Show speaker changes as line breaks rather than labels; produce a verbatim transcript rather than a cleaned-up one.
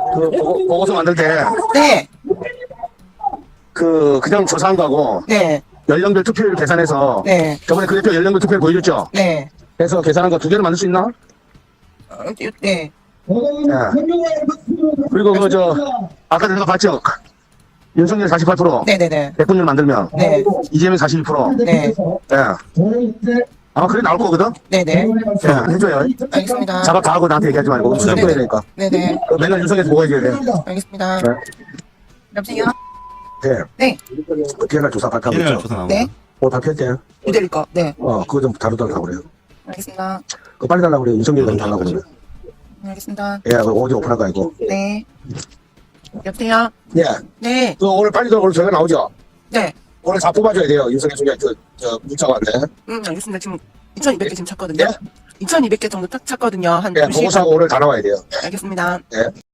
그 보고, 보고서 만들 때
네,
그 그냥 조사한 거하고
네,
연령별 투표율 계산해서
네,
저번에 그 대표 연령별 투표율 보여줬죠?
네,
그래서 계산한 거 두 개를 만들 수 있나?
어, 네,
예. 그리고 그 저 아까 내가 봤죠? 윤석열 사십팔 퍼센트
네네네,
백분율 만들면
네,
이재명 사십이 퍼센트
네,
예. 아마 그래 나올 거거든?
네네,
예, 해줘요.
알겠습니다.
작업 다 하고 나한테 얘기하지 말고 수정
네네.
보여야 되니까.
네네,
그 맨날 윤석열에서 보고 해줘야 돼.
알겠습니다.
네.
여보세요?
네.
네,
그 비엔날 조사 발표하고
비엔날
있죠?
조사 나온
네,
거.
오늘 발표했대.
유대리 거, 네,
어, 그거 좀 다루달라고 그래요.
알겠습니다.
그거 빨리 달라고 그래요. 윤석열 좀 달라고 그러면.
알겠습니다.
예, 그 어디 오픈할 거 아니고.
네, 여보세요?
예.
네,
그 오늘 빨리 들어 오늘 저희가 나오죠?
네,
오늘 다 뽑아줘야 돼요. 윤석열 총장 그, 저, 문자가 왔네.
음, 알겠습니다. 지금 이천이백 개 지금 찾거든요.
예?
이천이백 개 정도 딱 찾거든요. 한
예,
두 시간.
보고서하고 오늘 다 나와야 돼요.
알겠습니다.
예.